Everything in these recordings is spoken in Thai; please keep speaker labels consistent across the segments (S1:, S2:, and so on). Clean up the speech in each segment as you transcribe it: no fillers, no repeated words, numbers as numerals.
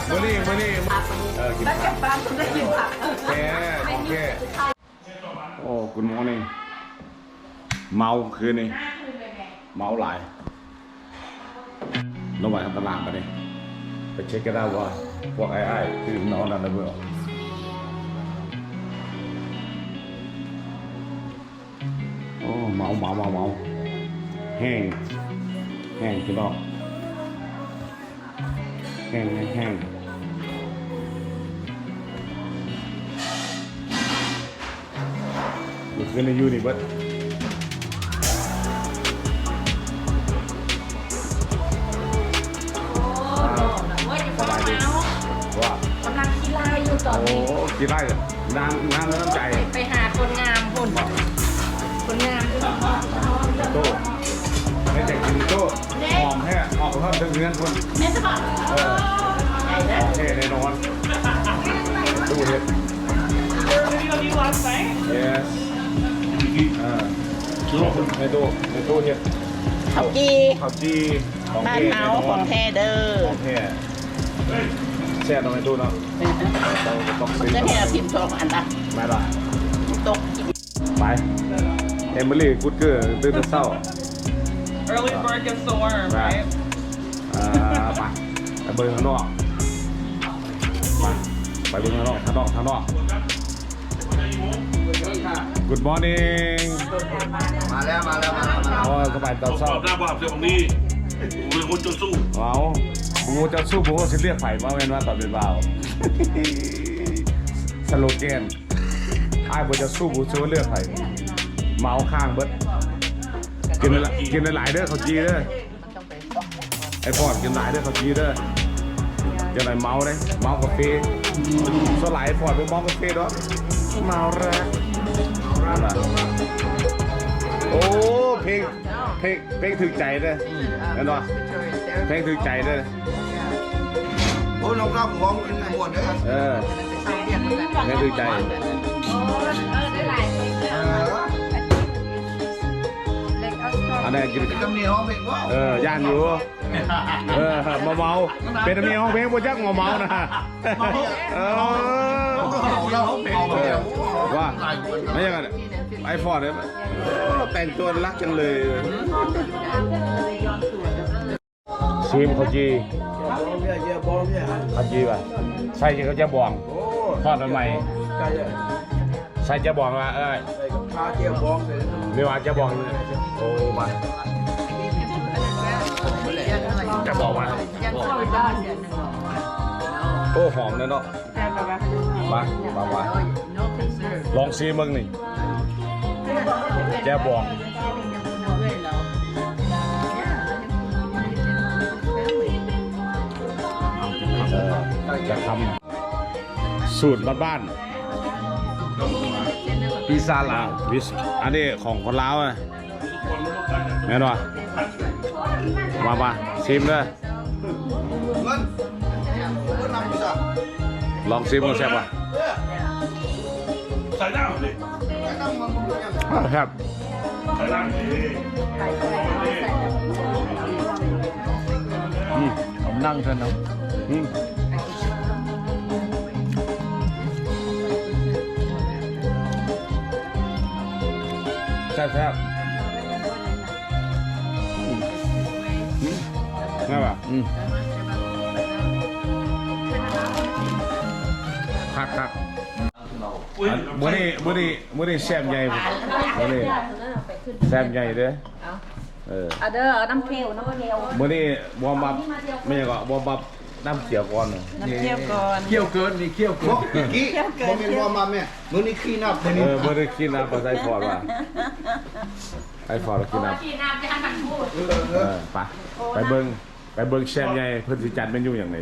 S1: มื้อนี้กินผักโอเคโอ้คุณหมอนี่เมาคืนนี้เมาหลายระหว่างตารางไปเช็คกันได้ว่าพวกไอ้คือนอนอะไรเบื่อโอ้เมาแห้งพี่น้องแห้งอยู่ขึ้นในยูนี่เบิดว่ากำลังกีฬาอยู่ตอนนี้โอ้กีฬาน้ำน้ำใจ
S2: ไปหาคนงามคนงาม
S1: โต้ไม่แต่กินโต้หอมแค่ออกเพิ่มถึงเงินคน
S2: แม่จะบอก
S1: โอเคแน่นอนตู้เห็ด yes ในตู้เห็ด
S2: ข้าวจี
S1: ของ
S2: บ้านเฮาของแท้เด้อ
S1: ของแท้แช่ตรงในตู้เนาะต้องซื้อ
S2: จะให้พิมพ์ทองอันละ
S1: ไม่ละ
S2: ตก
S1: ไปเอมิลี่กูดเกอร์ตื่นเช้า
S3: Early bird gets the worm, right?
S1: ไปเบิ่งข้างนอกไปเบิ่งข้างนอก Good morning
S4: มาแล้ว
S1: โอ้สบายตอนเช้า
S4: หน้าบ้านเรื่องของนี่เป็นคนจะสู้
S1: เอาบูจะสู้บูจะเรียกไผ่มาเว้นว่าตอนเป็นบ่าวสโลแกนไอ้บูจะสู้บูช่วยเลือกไผ่เมาข้างเบิดกินหลายเด้อเขาจีเด้อไอ้พอดกินหลายเด้อเขาจีเด้อจะไหนเมากาแฟสลายพอดไปเมากาแฟด้วยเมาแล้วโอ้เพลงถึงใจเด้อเห็นป่ะเพลงถึงใจเด้อ
S4: โอ้น้องรับของกินหมดเลย
S1: เพลงถึงใจอันนี้กิน
S4: กำเนียห้องเพลงว่า
S1: ย่านอยู่เมาเป็นมีห้องเพลงบนยักษ์เมานะว่าไม่ยังไงไอฟอร์ดเนี่ยแต่งตัวรักจังเลยซีมเขาจีป่ะใช่เขาจะบองทอดใหม่ใช่จะบองว่าไม่ว่าจะบองโอ้มาจะบอกมาโอ้หอมเลยเนาะมาลองซีมึงนี่แกบองจะทำสูตรบ้านๆพิซซ่าลาวอันนี้ของคนลาวนะแน่นอนมาชิมเลยลองชิมกันแซ่บป่ะ
S4: ใส่น้ำดิ
S1: ครับ
S4: ใส่น้ำดิ
S1: ผมนั่งเถอะนะแซ่บง่ายป่ะครับมื้อนี้แซ่บใหญ่มื้อนี้แซ่บใหญ่เด้อ
S2: เด้อน้ำเคี่ยว
S1: มื้อนี้บอมบับไม่ใช่ก็บอมบับน้ำเขียวก่อน
S2: น้ำเคี่ยวก่อน
S4: เคี่ยวเกินนี่เคี่ยวเกินกี้ผมเป็นว่ามาแม่มื้อนี้ขี้นับ
S1: มื้อนี้ขี้นับไอฟอร์ดว่ะไอฟอร์ดขี้นับ
S2: จะหันพูด
S1: ไปเบิ่งแซ่บใหญ่เพิ่นสิจัดเมนูอย่างไร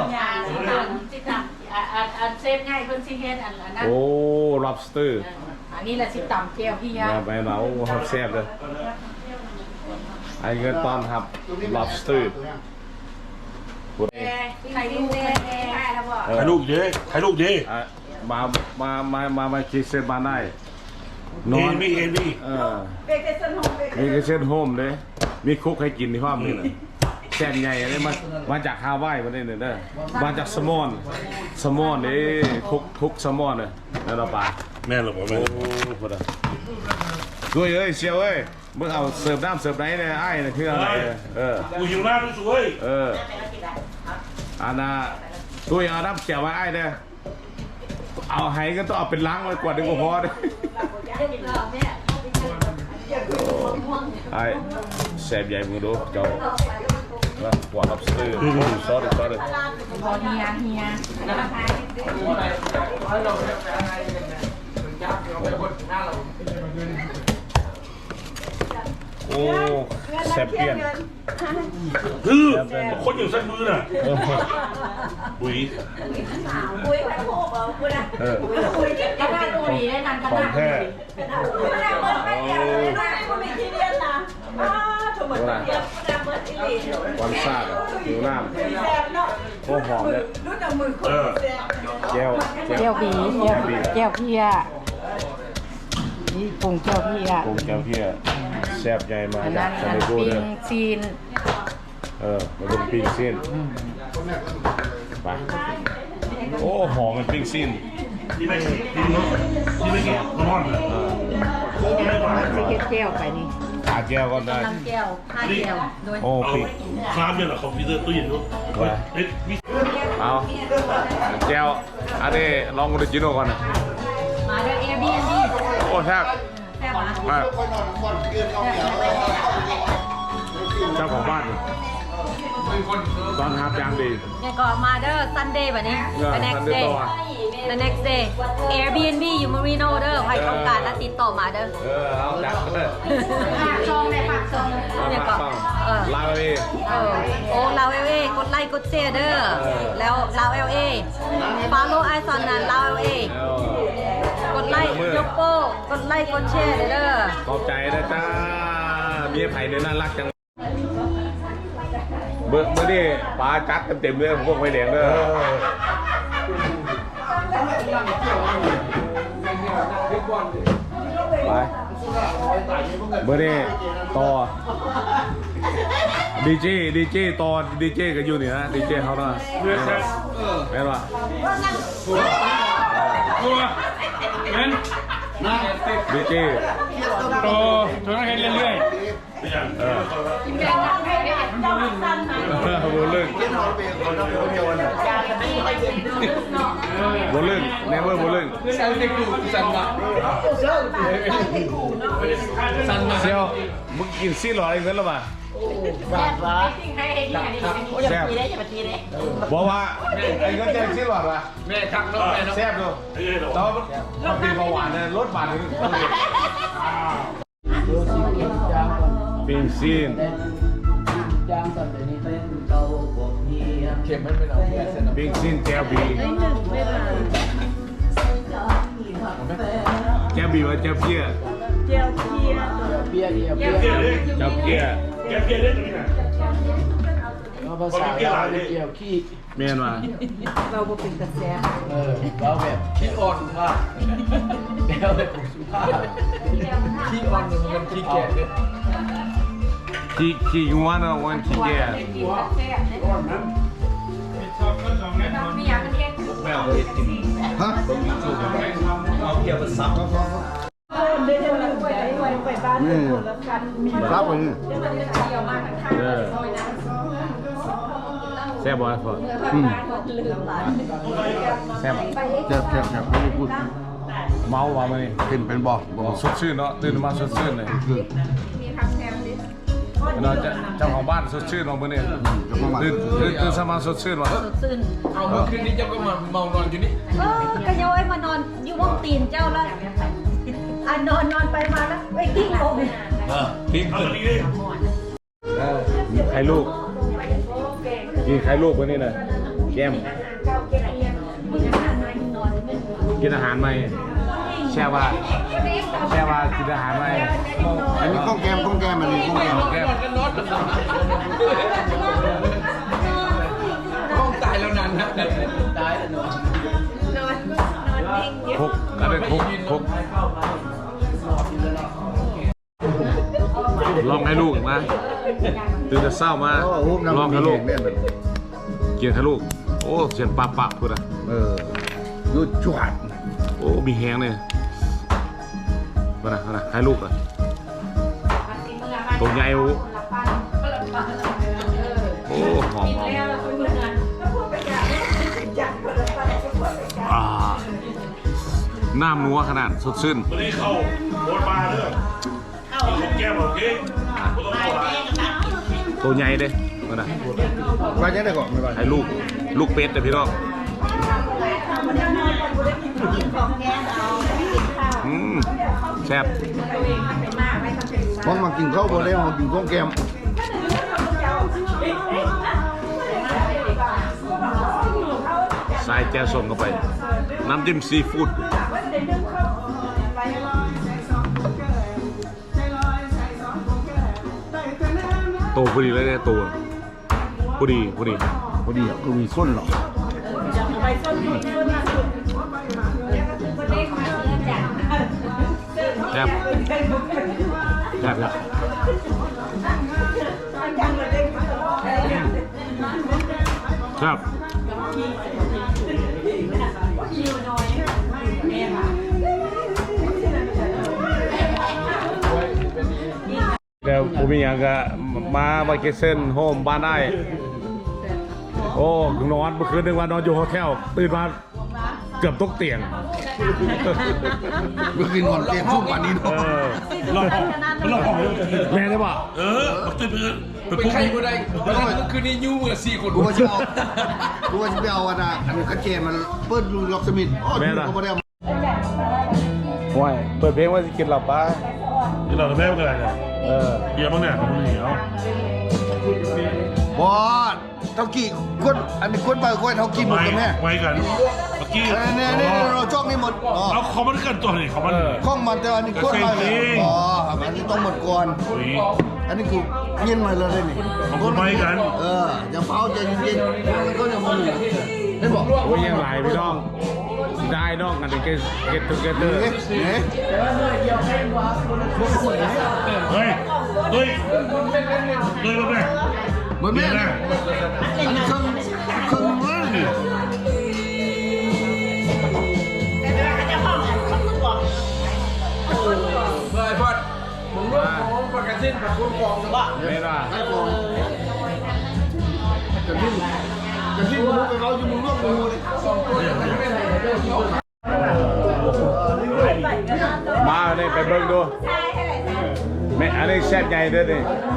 S2: เซฟง่ายเพิ่นสิเฮ็ดอันนั้น
S1: โอ้ lobster
S2: อันนี้แหละสิตำเจียวพี่ยา
S1: ไปมาโอ้แซ่บเลยไอเงินตอนครับ lobster
S2: ถ่ายรูป
S1: มาคิดเส้นมาได้นอน
S4: มี
S2: เบเกอร์เซนโฮม
S1: เลยมีคุกให้กินที่ห้องนี่แหละแซ่บใหญ่อันนี้มาจากฮาวายมาเนี่ยเด้อมาจากสมอนนี่คุกสมอนเลยนั่นเราปลา
S5: แม่หรอผม
S1: โอ้พอดีด้วยเอ้ยเชียวเอ้ยมึงเอาเสิร์ฟน้ำเสิร์ฟไหนเนี่ยไอ้เนี่ยคืออะไร
S5: กูหิวน้ำด้วยสวย
S1: อันน่ะตัวเอาน้ำเจียวไว้ไอ้เนี่ยเอาไห้ก็ต้องเอาเป็นล้างไว้กว่าดึงก็พอเลยไอ้แซ่บใหญ่มึงดูเจ้าหัวลับซื้อซอส
S2: พอเฮีย
S1: โอ้แซ่บเปลี่ยน
S5: คือคนอย่างใส่มือน่ะบุ๋ย
S2: คุยกันโหกเหรอคุณอะคุยกันได้ดูดีได้นานกัน
S1: ของแท้
S2: ไม่ได้เปิดไม่เดียวเลยไม่คุณมีที่เรียนนะถูกเหมือนเดียวไม่ได้เปิดที่เรียน
S1: วันซาดหิวน้ำโอ้หอมเลยแก้ว
S2: เจียวผีเจียวเพียนี่ปรุงเจียวเพีย
S1: กงแก้วเพี้ยแซ่บใหญ่มา
S2: อัน
S1: จา
S2: นั้
S1: ก
S2: น
S1: ซาเนโก้
S2: ปิ้
S1: เลย
S2: งซีน
S1: มันเป็นปิ้งซีนไปโอ้หอมเป็นปิ้งซีน
S5: ที่ไม่แก่นอนเลย
S2: นี่นะมันจะเจียวไปนี่
S1: ขาแก้วก็ได้
S2: น้ำเจียวข้าวเจียวโดย
S1: โอ้
S5: เอา
S1: ปิ้ง
S5: ครามเนี่ยเหรอคอมพิวเตอร์ตู้เย็นด้วยเฮ้ยมี
S1: เอาแก้วอันนี้ลองดูจิโน่ก่อน
S2: มาเด้อ Airbnb
S1: โอ้แซ่บ
S2: แซ่บอ่ะ
S1: มากเจ้าของบ้านตอนทับยามดี
S2: เนี่ยก็มาเด้อ Sunday แบบนี้ the next day the next day Airbnb อยู่ Marino เด้อใครต้องการแล้วติดต่อมาเด้อ
S1: เอาจัดเลย
S2: ฝากซองเลยฝากซองเนี่ยก็
S1: ลาไปดิ
S2: โอ้ลาวเอกดไลค์กดแชร์เด้อแล้วลาวfollow ไอซอนนั้นลาวกดไลค์ยกโป้กดไลค์กดแชร์เด้อ
S1: ขอบใจนะจ้าเมียไผ่เนี่ยน่ารักจังเมื่อนี่ปลาจัดเต็มเลยพวกไฟแดงเลยไปเมื่อนี่ต่อดีเจต่อดีเจก็อยู่นี่นะดีเจเขาเนาะแม่นปะ
S5: ตัวงั้น
S1: ดีเจ
S5: โตตัวนั้นให้เรื่อยๆ
S1: โบลึงเนเวอร์โบลึงเซียวมึงกินซี่หล่ออะไรเงี้ยหรอปะแซ่บบอกว่าไอ้ก็แจ้งซี่หล่อปะแม่ทักน้องแม่แซ่บดูแต่ว่ามันเป็นเบาหวานเนี่ยรสหวานนี่ปิ้งซีนปิ้งซีนแก้วบีแก้วบีว่าแก้วเพี้ยแก้วเพี้ยเพี้ย
S5: เล่นตรงนี้นะ
S6: ภาษาเราเกี่ยวขี้
S1: เมียนมา
S2: เราบ่เป็นกระแส
S6: เราแบบขี้อ่อนสุภาพแล้วแบบสุภาพขี้อ่อนมันขี้แก่เลย
S1: ขี้งัวเนาะวันขี้แก่
S2: มีอยากเป็นเอง
S1: แม่เอาไปกิน
S4: ฮะ
S6: เอาเกี่ยวกับซับ
S4: นี่รับไปนี่
S1: แซ่บบ่อยพอแซ่บ
S4: แซ่บไม่ได้พูด
S1: เมาว่ะมันนี่
S4: กินเป็นบ่
S1: สดชื่นเนาะตื่นมาสดชื่นเลย
S4: คือ
S1: เนาะเจ้าของบ้านสดชื่นเนาะมื้อนี้ตื่นสมาสดชื่นว่ะ
S2: ซึ้น
S6: เอาเมื่อคืนนี้เจ้าก็มาเมานอนอยู่นี่
S2: ก็ย้อยมานอนอยู่วงตีนเจ้าแล้วนอนไปมาแล้วไปกิ้งโคม
S1: ทิ้ง
S5: เอา
S1: ขึ้น
S5: ตรงนี้ดิ
S1: ใครลูกกินใครลูกวันนี้น่ะแก้มกินอาหารไหมแช่ว่ากินอาหารไหม
S4: อันนี้ข้องแกมอันนี้ข้องแกม
S1: แก้ม
S6: ห้องตายแล้วนานนะตายแล้วนอน
S1: คุกอะไรคุกลองให้ลูกมาตื่นแต่เศร้ามา
S4: โอ้โหน้ำ
S1: ลองให้ลูก
S4: เนี่ยมัน
S1: เกียรให้ลูกโอ้เสียนปะพูดอ่ะ
S4: ยุดจวด
S1: โอ้มีแฮงเลยมานะให้ลูกอ่ะตัวใหญ่โอ้หอมน้ำนัวขนาดสดชื่น
S5: วันนี้เข้าโบนมาเด้อกินแก้มโอเคไม่ต้องเข้าละ
S1: ตัวใหญ่เด้มานะ
S4: มาจะได้ก่อนไม่ไหว
S1: ให้ลูกเป็ดเด้อพี่น้องแซ่บ
S4: เพราะมากินข้าวบ่ได้มากินข้าวแกม
S1: ใส่แจ่วส้มเข้าไปน้ำจิ้มซีฟู้ดโตพอดีเลยเนี่ยตัวพอดี
S4: พอดีก็มีส้นหรอก
S1: แซ่บครับเดี๋ยวผมมีอย่างก็มาไวเกเซนโฮมบ้านได้โอ้นอนเมื่อคืนนึงว่านอนอยู่โฮเทลตื่นมาเกือบตกเตียง
S4: เมื่อคืนนอนเตียงทุ่มกว่านี้เนาะ
S1: ลองแม่ได้ป่ะ
S5: มันตื่นเพื่อน
S6: เป็นใครก็ได้คืนนี้ยูมือ4 คน
S4: กูว่าจะไปเอาอันนั้นกระเจมันเปิดลูล็อกสมิธอ๋อกูไม่ได้
S1: ห่วยเปิดเพลงว่าจะกินหลับป้า
S5: ที่เราจะแม่กันอะไรเนี่ยเบียร์บ้างเนี่ยผมเหนียว
S4: บอสเท่ากี่คนอันนี้คนไปคนเท่ากี่หมดกันแม่
S5: ไว้กันเมื่อกี้
S4: เนี่ยเราจ้องนี่หมดอ๋อ
S5: เอาคอมมันกันตัวนี่คอมมัน
S4: ข้องมันแต่อันนี้คนไปอ๋ออันนี้ต้องหมดก่อน
S5: อุ้ย
S4: อันนี้กูเย็นมาเลยนี่
S5: ของคุณไม่กัน
S4: อย่าเผาใจเย็นๆแล้วก็อย่ามาได้บอก
S1: โอ้ยยังไหลพี่น้องได้น้องกันเก็ตทูเกเตอร์
S5: เฮ้ยด้วยมาแม่
S4: เหมือนแม่นะอันนี้เครื่องมือนี่
S6: เฮ้ยพอดมึงรู้ของประกันสิ้นกับคุณกองหรือเปล่า
S1: ไม่ได้
S4: ไอ้กองกันที่มึงไปเราอยู่มึงร่วมกูเลย
S1: มาเนี่ยไปเบิ่งดูแม่อันนี้แซ่บใหญ่เด้อนี่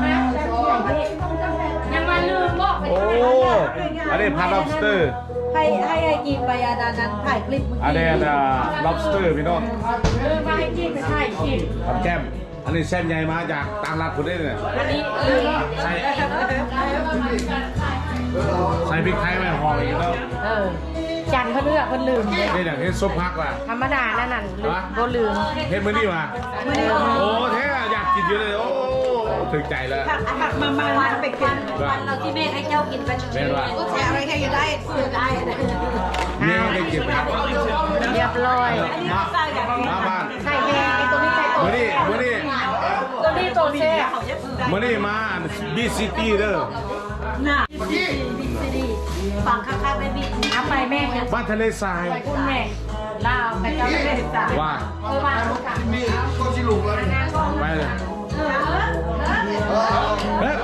S2: ยังมาลืมบอก
S1: โอ้อันนี้พัน lobster
S2: ให้กินไปอาดานั้นถ่ายคลิปเมื่อ
S1: อัน
S2: กี้
S1: นี้lobster พี่น้อง
S2: มาให้กินไปถ่ายคลิป
S1: ทำแก้มอันนี้แซ่บใหญ่มาจากต่างรัฐคนนี้เนี่ย
S2: อันนี้
S1: ใส่พริกไทยไม่ห่ออีกแล้ว
S2: จันเขาเลือกคนลืม
S1: นี่อย่างที่ซุปพักว่ะ
S2: ธรรมดานั่นน่ะก็ลืม
S1: เฮ็ดมื้อนี้มาโอ้แท้อยากกินเยอะเลยโอ้ถึงใจแล้ว
S2: มาไปกินวันเราที่แม่ให้เจ้ากินไป
S1: แม่ว่า
S2: ก็แชร์อะไรให้ยังได้ซื้อได้
S1: แม่ได้กิน
S2: เรียบร้อย
S1: มาบ้าน
S2: ใส่แพงไอ้ตัวนี้ใส่ตัว
S1: มื้อนี้
S2: ตัวนี้ตัวแช่
S1: มื้อนี้มาบีซิตี้เด้อ
S2: น่ะฝั่งข้างๆไม่มีน้ำไปแม่เนี่ย
S1: บ้านทะเลทราย
S2: คุณแม่ลาวไปเจ้าไม่ได้จ่าย
S1: ว่า
S2: มา
S4: มีก็ชิลุกแล้ว
S1: ไปเลยเฮ้ย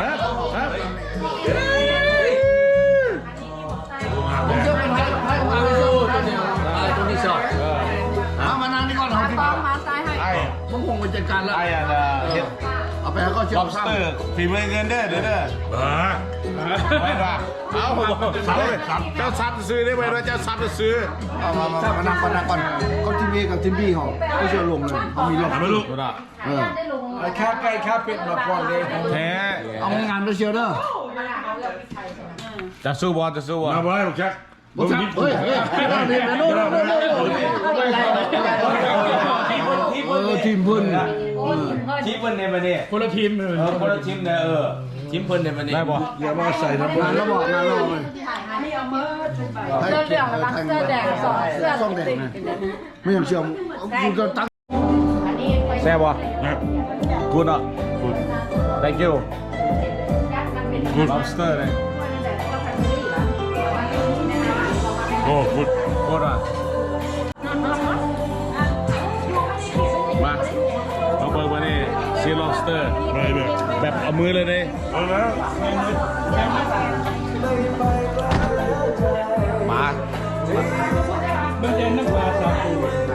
S6: ผมจะเป็นให้ความรู้ตัวนี้สอบ
S4: มานานนี่ก่อนเอาที่
S2: มาตายให้
S1: ไอ้
S6: ผมคงไปจัดการแล้ว
S1: ไอ้อะเฮ็ด
S4: เอาไปแล้วก็เชื่อมซ้ำ
S1: lobster ฝีมือเงินเด้อเด้อไม่ว่าเอาเจ้าซับซื้อได้ไหมว่าเจ้าซับซื้อ
S4: เอามานั่งก่อนก็ทีวีกับทีวีเขาก็เชื่อลงเลยเขามีลง
S5: ทำไม่รู้
S6: ค่าไก่ค่าเป็ดมาก่อนเลย
S1: แท้
S4: เอางานไปเชียวเด้อ
S1: จะสู้บอลจะสู้บอล
S5: มาบ่ได้หรอกแจ็ค
S4: เฮ้ยทีมพื้น
S6: ทีมเพิ่นในประเทศคนละทีมคนละทีมเนี่ยทีมเพิ่นในประเทศ
S1: ได้บอล
S4: อย่ามาใส่น้ำมันแล้วบอกงานเราเลย
S2: เสื้อเหลืองกับเสื้อแดงสองเสื้อ
S4: ซ่องแดงนะไม่ยอมเชื่อมคุณก็ตั้ง
S1: แซ่บวะกูเนาะ good thank you good lobster เลย
S5: โอ้คุณ
S1: โคตรอ่ะมาเอาเบอร์มานี่ซี lobster
S5: อะไรแบบ
S1: แบบเอามือเลยเนี่ย
S5: เอาแล้ว
S1: มา
S6: มันจะน้ำปลาซาปู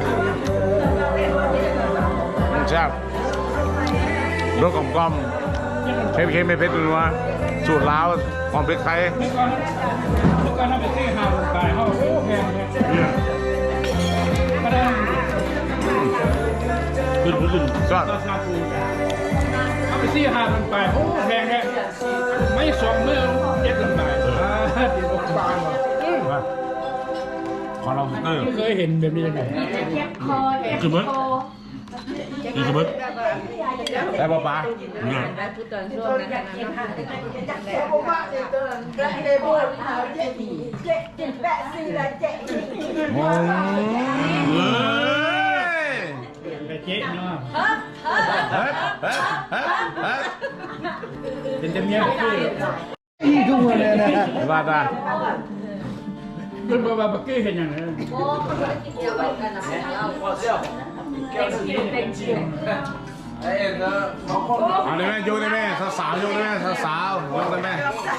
S1: แซ่บรสกลมๆเค็มๆไม่เผ็ดนัวสูตรลาวความเผ็ดไทย
S6: เมื่อก่อนถ้าไปซื้อหาลงไปเขาโอ้แพงเนี่ย
S5: เนี่ย
S6: ก็ได้
S5: ขึ้น
S1: ก็
S6: ซาปูเอาไปซื้อหาลงไปโอ้แพงเนี่ยไม่สองมือเจ็ดลงไปเดี๋ยวผมฟังว่ะ
S1: ขอ lobster
S6: ไม่เคยเห็นแบบนี้ยังไง
S5: ขึ้นมั้ยนี่ขึ้นมั้ย
S1: ได้ป่ะป๊า
S5: เนี่ย
S1: โอ้ย
S6: ไปเจ๊เนาะ
S1: เฮ้ยเฮ้ยเฮ้ยเฮ้ย
S6: เป็นจำเนียงคือ
S4: นี่ทุกคนเลยนะ
S1: ว่าตา
S6: คุณบอกว่าบักกี้เห็นอย่างไร
S1: เอาได้ไหมโยกได้ไหมสาวๆโยกได้ไหมสาวๆโยกได้ไหม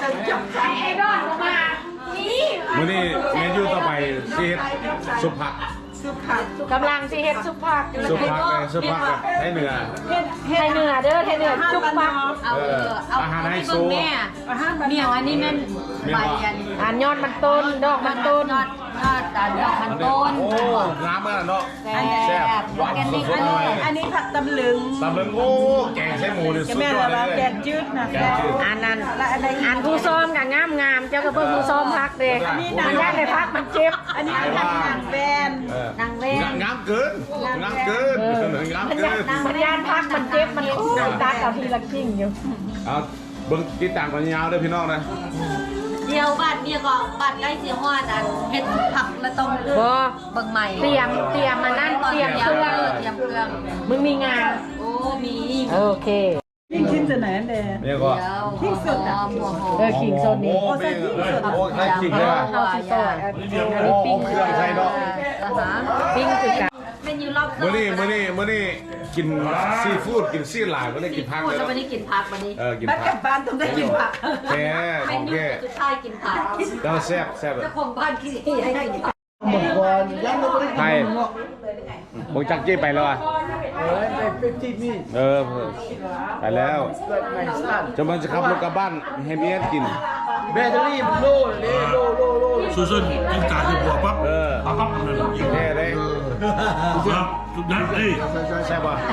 S1: มื้อนี้เมนูต่อไปซีดซุปผัก
S2: กำลังสิเฮ็ดซุปผัก
S1: ซุปผักเลยซุปผักเลยให้เนื้อ
S2: ไทยเหนือเด้อไทยเหนือซุปผัก
S1: อาหารไฮโซ
S2: เมี่ยงอันนี้แม่น
S1: เมี่ยง
S2: ใบ
S1: ว่า
S2: อันยอดมันต้นดอกมันต้นยอดดอกมันต้น
S1: โอ้น้ำมันเนาะ
S2: แซ่
S1: แซ่บบ หวาน
S2: แกง
S1: ส
S2: นี่
S1: ดๆหน่อย
S7: อันนี้ผักตำลึง
S1: ตำลึงโอ้แกงใช้หมูนี่สุด
S7: แม่
S1: ยอด
S7: เรา
S1: เลย
S7: แกงจืดนะ
S1: แกงจืด
S2: อันนั้น
S7: และอะไรอีก
S2: อันผู้ซ้อมกับงามงามๆเจ้าก็เพิ่งผู้ซ้อมพักเด้มันย่านในพักมันเจ็บ
S7: อันนี้เป็นหนังแบน
S2: นางเว้น
S1: งามเกินงามเกินงาม
S2: มัน
S1: เกิ
S2: ย่าน
S1: น
S2: มันย่านพักมันเจ็บมันตัดเอาทีละกิ้งอยู่
S1: เอาเบิ้งติดตามกันยาวด้วยพี่น้องนะ
S2: เดียวบาดเดียวก็บาดใกล้เสียหัวแต่เฮ็ดผักและต้มเบิ่งใหม่เตรียมมานั่นเตรียมเครื่องมึงมีงานโอ้มีโอเค
S7: ยิ่งขึ้นจะไหนอันเดย์
S1: เนี่ยก็
S7: ที่สุดอ่ะ
S2: ขิงโซนนี้
S1: โอ้ใส่โอ้ใส่ขิงเลย
S2: เอาสิโซนอันนี้ปิ้ง
S1: เครื่องใส่เนาะ
S2: ปิ้งคือกันเมนูรอบ
S1: มื้อนี้กินซีฟู้ดกินซีหลายก็ได้กินผัก
S2: พูด
S1: เลย
S2: จะไม่ได้กินผักวันนี้
S1: กิน
S7: บ้าน
S1: ผั
S7: กลั
S1: ก
S7: บบ้านต้องได้กินผัก
S1: แค่
S2: เม
S1: ของ
S2: นู
S1: แค่
S2: สุดท้ายกินผัก
S1: แล้วแซ่บ
S2: เจ้าของบ้านคิดให้กินผัก
S4: หมดก่อนยังไม่ได้
S1: ไทยมึงจักจี้ไปแล้วอ่ะ
S6: ไปเป็นที่นี่
S1: ไปแล้ว
S6: เกิดใหม่สร้าง
S1: จะมันจะขับรถกลับบ้านให้เมียกิน
S6: แบตเตอรี่มันโล่เลยโล่
S5: ซุนกินกาจะบวกปั๊บ ปั๊บนั่นแหละ
S1: แน่เลย
S5: ครับทุกนัดเอ้ย
S1: แซ่บป่ะ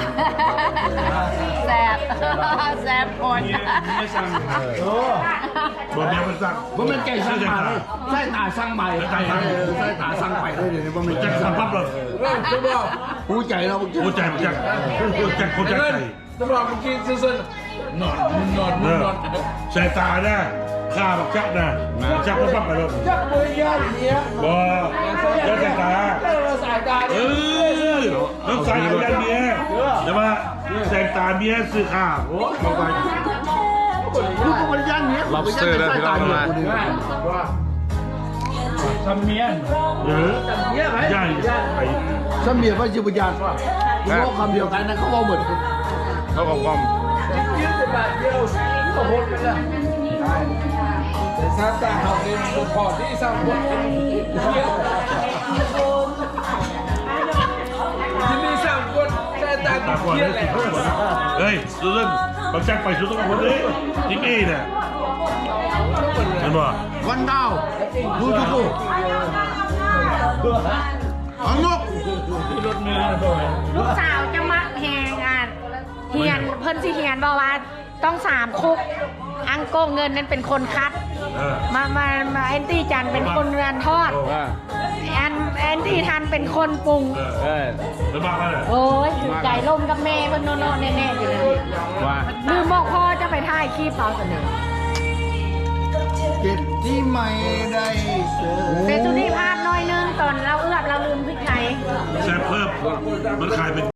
S2: แซ่บคน
S6: ไม่สั่ง
S5: บอกแม่มันสั่ง
S6: ผมเป็นไก่สั่งมาเลยไส้ตาสั่งใหม่ไส้ตาสั่งไปเลยเดี๋ยวนี้ผมเป็น
S5: จั
S6: ไก่
S5: ง
S6: สั่
S5: สั่
S6: ง
S5: งปั๊บเลย
S6: จะบอกหูใจเราเมื่อกี้
S5: โอ้ใจมันจังคนจังใจ
S6: จะบอกเมื่อกี้ซื่อๆนอน
S5: ใส่ตานะข้าบักจักนะจักมันปั๊บไปเลย
S6: จักมือยาอย่างเงี้ย
S5: บ่แล้วใส่ตา
S6: สายตา
S5: เออต้องใส่เอายันเมียแต่ว่าใส่ตาเมียซื้อข้าวมาไป
S6: ลูกมันย่างเนี้ย
S1: lobster แล้วพี่น้องมา
S6: ทำเมียน
S5: ย่างไป
S6: ทำเมียว่าจิบุญญาณว่าคุณว่าคำเดียวกันนะเขาบอกหมด
S1: เขากลม
S6: ยืดบาทเดียวก็หมดไปแล้วแต่ซาตาเขาเป็นคนพอที่สร้างบทที่นี่สร้างบทซาตา
S5: ตาก่อน
S6: เทียนแหละ
S5: เฮ้ยสุดบักจักไปสุดต้องคนนี้ทิกอี้เนี่ยเห็นบ่
S4: วันดาวดูดูอังนก
S6: รถเมล์ด้วย
S2: ลูกสาวจะมักแหงอ่านเฮียนเพิ่นสิเฮียนบอกว่าต้อง3 คุก อังโกเงินนั้นเป็นคนคัด มาแอนตี้จันเป็นคนงานทอด แอนตี้ทันเป็นคนปรุง
S5: แล้วบ้าอะไร
S2: โอ้ยถือใจลมกับแม่เพิ่นโน่ๆแน่ๆอยู่เลย
S1: ว่า
S2: ลืมบอกพ่อจะไปถ่ายคลิปเอาเสนอ
S4: เก็บที่ไม่ได้เจอ
S2: เซตุนี่พลาดน้อยนึงตอนเราเอื้อบเราลืมพริกไทย
S5: แซ่บเพิ่มมันขายเป็น